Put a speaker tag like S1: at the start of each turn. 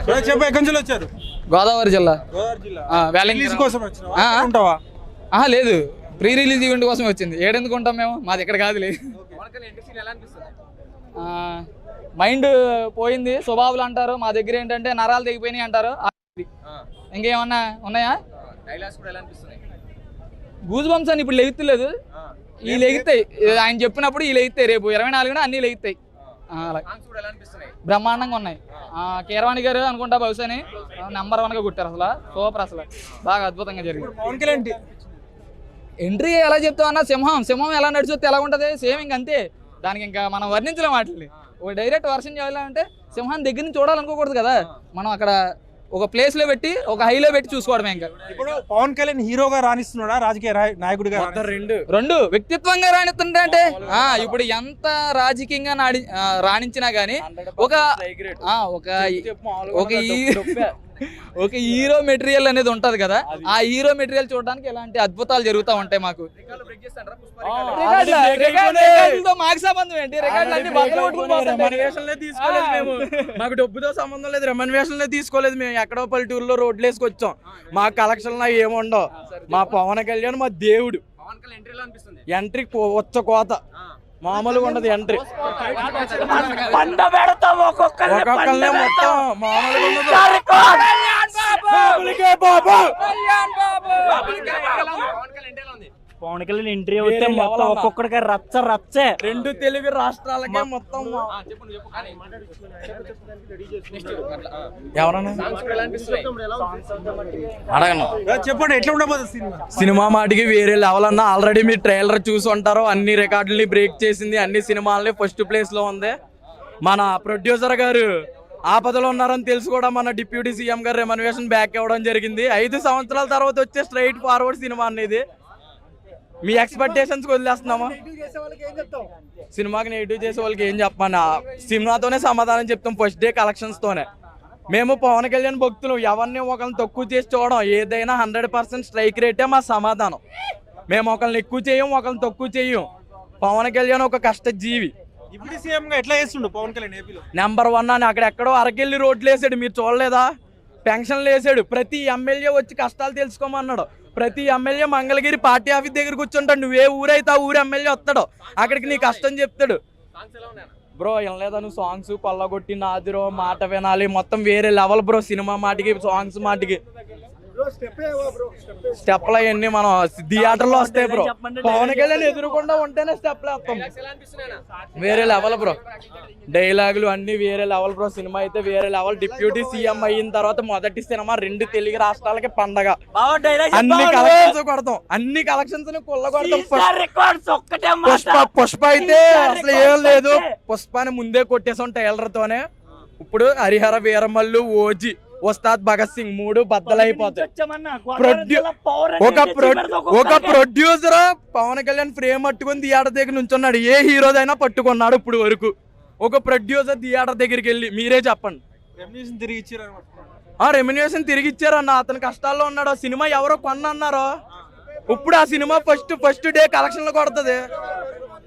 S1: చెప్పు ఎక్కడి నుంచి వచ్చారు?
S2: గోదావరి జిల్లా.
S1: గోదావరి జిల్లా.
S2: రిలీజ్
S1: కోసం వచ్చినావా?
S2: లేదు, ప్రీ రిలీజ్ ఈవెంట్ కోసం వచ్చింది. ఏడెందుకు ఉంటాం మేము, మాది ఇక్కడ కాదులే. మైండ్ పోయింది స్వభావాలు అంటారు, మా దగ్గర ఏంటంటే నరాలు తెగిపోయినాయి అంటారు. ఇంకేమన్నా ఉన్నాయా? గూజ్ బంప్స్ అని ఇప్పుడు లెగుతలేదు, ఈ లెగుతాయి. ఆయన చెప్పినప్పుడు ఈ లెగుతాయి, రేపు 24న అన్ని లెగుతాయి. బ్రహ్మాండంగా ఉన్నాయి. కీరవాణి గారు అనుకుంటా బహుశాని నెంబర్ 1గా కొట్టారు. అసలు సూపర్, అసలు బాగా అద్భుతంగా జరిగింది. ఎంట్రీ ఎలా చెప్తావు అన్న, సింహం ఎలా నడిచొస్తే ఎలా ఉంటుంది, సేమ్ ఇంక అంతే. దానికి ఇంకా మనం వర్ణించలేం వాటిని. ఒక డైరెక్ట్ వర్షన్ చేయాలంటే సింహాన్ని దగ్గర నుంచి చూడాలనుకోకూడదు కదా, మనం అక్కడ ఒక ప్లేస్ లో పెట్టి ఒక హైలో పెట్టి చూసుకోవడమే. ఇంకా
S1: ఇప్పుడు పవన్ కళ్యాణ్ హీరోగా రాణిస్తున్నాడా, రాజకీయ నాయకుడిగా?
S2: రెండు వ్యక్తిత్వంగా రాణిస్తుంటే అంటే ఇప్పుడు ఎంత రాజకీయంగా రాణించినా గానీ ఒక హీరో మెటీరియల్ అనేది ఉంటది కదా, ఆ హీరో మెటీరియల్ చూడడానికి ఇలాంటి అద్భుతాలు జరుగుతూ ఉంటాయి. మాకు మాకు సంబంధం ఏంటి?
S3: మాకు డబ్బుతో సంబంధం లేదు, రెమ్యునరేషన్ తీసుకోలేదు. మేము ఎక్కడో పల్లెటూరులో రోడ్లు వేసుకొచ్చాం. మా కలెక్షన్ ఏముండవు. మా పవన్ కళ్యాణ్ మా దేవుడు. ఎంట్రీ వచ్చ కోత మామూలుగా ఉండదు. ఎంట్రీ ఒక్కొక్కరినే మొత్తం మామూలుగా
S4: పవన్ కళ్యాణ్ ఎంట్రీ అవుతే మొత్తం ఒక్కొక్కడికి రచ్చే.
S3: 2 తెలుగు రాష్ట్రాలకే మొత్తం. ఎవరన్నా
S1: చెప్పండి, ఎట్లా ఉండబోతుంది
S3: సినిమా మాటికి వేరే లెవెల్ అన్న. ఆల్రెడీ మీరు ట్రైలర్ చూసి ఉంటారు. అన్ని రికార్డుల్ని బ్రేక్ చేసింది, అన్ని సినిమాలని ఫస్ట్ ప్లేస్ లో ఉంది. మన ప్రొడ్యూసర్ గారు ఆపదలో ఉన్నారని తెలుసు కూడా మన డిప్యూటీ సీఎం గారు రెమ్యునరేషన్ బ్యాక్ ఇవ్వడం జరిగింది. 5 సంవత్సరాల తర్వాత వచ్చే స్ట్రైట్ ఫార్వర్డ్ సినిమా అనేది. మీ ఎక్స్పెక్టేషన్స్ వదిలేస్తున్నామా? సినిమాకి నెగిటివ్ చేసే వాళ్ళకి ఏం చెప్పమన్నా, సినిమాతోనే సమాధానం చెప్తాం. ఫస్ట్ డే కలెక్షన్స్ తోనే. మేము పవన్ కళ్యాణ్ భక్తులు, ఎవరిని ఒకరిని తక్కువ చేసి చూడడం. ఏదైనా 100% స్ట్రైక్ రేటే మా సమాధానం. మేము ఒకరిని ఎక్కువ చేయం, ఒకరిని తక్కువ చేయం. పవన్ కళ్యాణ్ ఒక కష్టజీవి. నెంబర్ 1 అని అక్కడెక్కడో అరకెళ్ళి రోడ్లు వేసాడు, మీరు చూడలేదా? పెన్షన్లు వేసాడు. ప్రతి ఎమ్మెల్యే వచ్చి కష్టాలు తెలుసుకోమన్నాడు. ప్రతి ఎమ్మెల్యే మంగళగిరి పార్టీ ఆఫీస్ దగ్గర కూర్చుంటాడు. నువ్వే ఊరైతే ఆ ఊరు ఎమ్మెల్యే వస్తాడు, అక్కడికి నీ కష్టం చెప్తాడు. బ్రో వినలేదా నువ్వు? సాంగ్స్ కొల్లగొట్టి నాదిరో మాట వినాలి, మొత్తం వేరే లెవెల్ బ్రో. సినిమా మాటికి, సాంగ్స్ మాటికి స్టెప్లు అవన్నీ మనం థియేటర్లో వస్తాయి బ్రో. పవన్ కళ్యాణ్ ఎదురుకుండా ఉంటేనే స్టెప్లు వేస్తాం. వేరే లెవెల్ బ్రో. డైలాగులు అన్ని వేరే లెవెల్ బ్రో. సినిమా అయితే వేరే లెవెల్. డిప్యూటీ సీఎం అయిన తర్వాత మొదటి సినిమా 2 తెలుగు రాష్ట్రాలకి పండగ. అన్ని కలెక్షన్స్ కొడతాం, అన్ని కలెక్షన్స్ కొల్లగొడతాం. పుష్ప అయితే అసలు ఏం లేదు. పుష్పాని ముందే కొట్టేసాం ట్రైలర్ తోనే. ఇప్పుడు హరిహర వీరమల్లు, ఓజీ, ఉస్తాద్ భగత్ సింగ్ 3 బద్దలైపోతాయి. ఒక ప్రొడ్యూసర్ పవన్ కళ్యాణ్ ఫ్రేమ్ పట్టుకుని థియేటర్ దగ్గర నుంచున్నాడు. ఏ హీరోదైనా పట్టుకున్నాడు ఇప్పుడు వరకు. ఒక ప్రొడ్యూసర్ థియేటర్ దగ్గరికి వెళ్ళి మీరే చెప్పండి. రెమ్యునరేషన్ తిరిగి ఇచ్చారన్న. అతను కష్టాల్లో ఉన్నాడు. సినిమా ఎవరో కొన్నారో. ఇప్పుడు ఆ సినిమా ఫస్ట్ డే కలెక్షన్లు కొడుతుంది.